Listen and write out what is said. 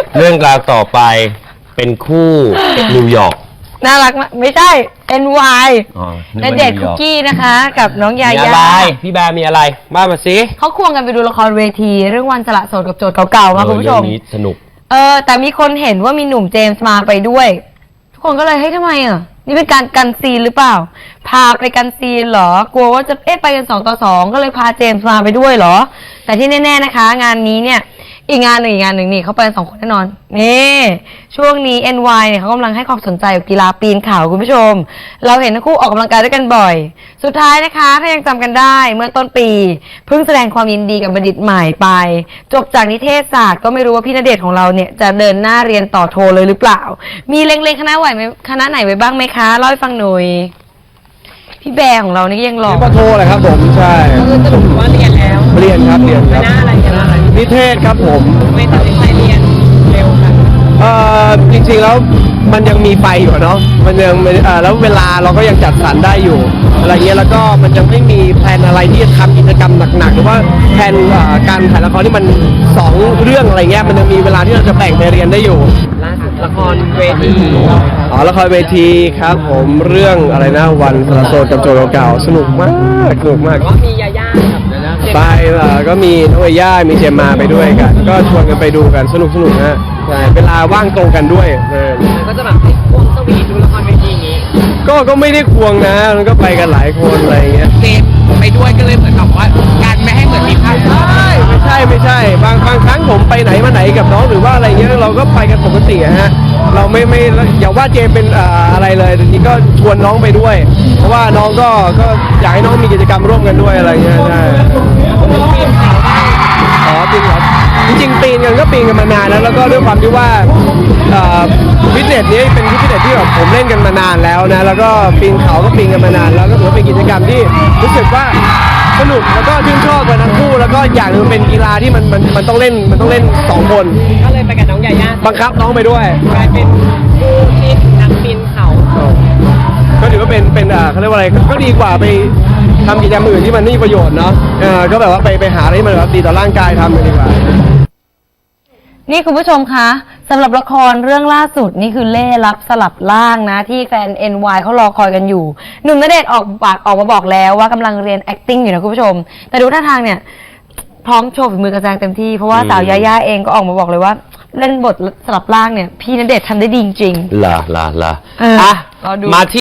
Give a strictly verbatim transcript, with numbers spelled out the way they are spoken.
เรื่องราวต่อไปเป็นคู่นิวยอร์กน่ารักมากไม่ใช่ เอ็น วาย ณเดชน์คุกกี้นะคะกับน้องยามีย่าอะไรพี่แบร์มีอะไรมามาสิเขาควงกันไปดูละครเวทีเรื่องวันสละโสดกับโจทย์เก่าๆมาคุณผู้ชมเรื่องนี้สนุกเออแต่มีคนเห็นว่ามีหนุ่มเจมส์มาไปด้วยทุกคนก็เลยเฮ้ยทำไมอ่ะนี่เป็นการกันซีนหรือเปล่าพาไปกันซีนเหรอกลัวว่าจะเอ๊ะไปกันสองต่อสองก็เลยพาเจมส์มาไปด้วยเหรอแต่ที่แน่ๆนะคะงานนี้เนี่ยอีกงานหนึ่งอีกงานหนึ่งนี่เขาไปกันสองคนแน่นอนนี่ช่วงนี้ เอ็น วาย เนี่ยเขากำลังให้ความสนใจกับกีฬาปีนเขาคุณผู้ชมเราเห็นทั้งคู่ออกกำลังกายด้วยกันบ่อยสุดท้ายนะคะถ้ายังจำกันได้เมื่อต้นปีเพิ่งแสดงความยินดีกับบัณฑิตใหม่ไปจบจากนิเทศศาสตร์ก็ไม่รู้ว่าพี่ณเดชน์ของเราเนี่ยจะเดินหน้าเรียนต่อโทเลยหรือเปล่ามีเล็งๆคณะไหวไหมคณะไหนไว้บ้างไหมคะเล่าให้ฟังหน่อยพี่แบร์ของเรานี่ยังหล่อปโทแหละครับผมใช่คือสรุปว่าเรียนแล้วเรียนครับเรียนครับคณะอะไรคณะอะไรนิเทศครับผมไม่ตัดสินใจเรียนเร็วค่ะเอ่อจริงๆแล้วมันยังมีไฟอยู่เนาะมันยังเอ่อแล้วเวลาเราก็ยังจัดสรรได้อยู่อะไรเงี้ยแล้วก็มันยังไม่มีแผนอะไรที่จะทำกิจกรรมหนักๆหรือว่าแผนการถ่ายละครที่มันสองเรื่องอะไรเงี้ยมันยังมีเวลาที่เราจะแบ่งไปเรียนได้อยู่ล่าสุดละครเวทีอ๋อละครเวทีครับผมเรื่องอะไรนะวันสละโสดกับโจทย์เก่าสนุกมากสนุกมากก็มียาย่ากับไปก็มีน้องย่ามีเจมมาไปด้วยกันก็ชวนกันไปดูกันสนุกสนุกนะใช่เวลาว่างตรงกันด้วยก็จะแบบให้ควงสวีทดูละครเวทีอย่างนี้ก็ก็ไม่ได้ควงนะมันก็ไปกันหลายคนอะไรเงี้ยเจมไปด้วยก็เลยเหมือนกับว่าการไม่ให้เหมือนมีภาพใช่ไม่ใช่ไม่ใช่บางบางครั้งผมไปไหนมาไหนกับน้องหรือว่าอะไรเงี้ยเราก็ไปกันปกติฮะเราไม่ไม่อย่าว่าเจมเป็นอะไรเลยทีนี้ก็ชวนน้องไปด้วยเพราะว่าน้องก็ก็อยากให้น้องมีกิจกรรมร่วมกันด้วยอะไรเงี้ยใช่อ๋อจริงเหรอจริงๆปีนกันก็ปีนกันมานานแล้วแล้วก็ด้วยความที่ว่าฟิตเนสนี้เป็นฟิตเนสที่แบบผมเล่นกันมานานแล้วนะแล้วก็ปีนเขาก็ปีนกันมานานแล้วก็ถือว่าเป็นกิจกรรมที่รู้สึกว่าสนุกแล้วก็ชื่นชอบกันทั้งคู่แล้วก็อย่างนึงเป็นกีฬาที่มันมันมันต้องเล่นมันต้องเล่นสองคนก็เลยไปกับน้องยาย่าบังคับน้องไปด้วยกลายเป็นคู่ที่นักปีนเขาก็ถือว่าเป็นเป็นอ่าเขาเรียกว่าอะไรก็ดีกว่าไปทำกิจกรรมอื่นที่มันไม่มีประโยชน์เนาะเออก็แบบว่าไปไปหาอะไรที่มันแบบดีต่อร่างกายทำกันดีกว่านี่คุณผู้ชมคะสำหรับละครเรื่องล่าสุดนี่คือเล่ห์ลับสลับล่างนะที่แฟน เอ็น วาย เขารอคอยกันอยู่หนุ่มณเดชน์ออกปากออกมาบอกแล้วว่ากำลังเรียน acting อยู่นะคุณผู้ชมแต่ดูท่าทางเนี่ยพร้อมโชว์ฝีมือกระแสเต็มที่เพราะว่าสาวยาย่าเองก็ออกมาบอกเลยว่าเล่นบทสลับล่างเนี่ยพี่ณเดชน์ทำได้ดีจริงๆล่ะล่ะล่ะอ่ะมาที่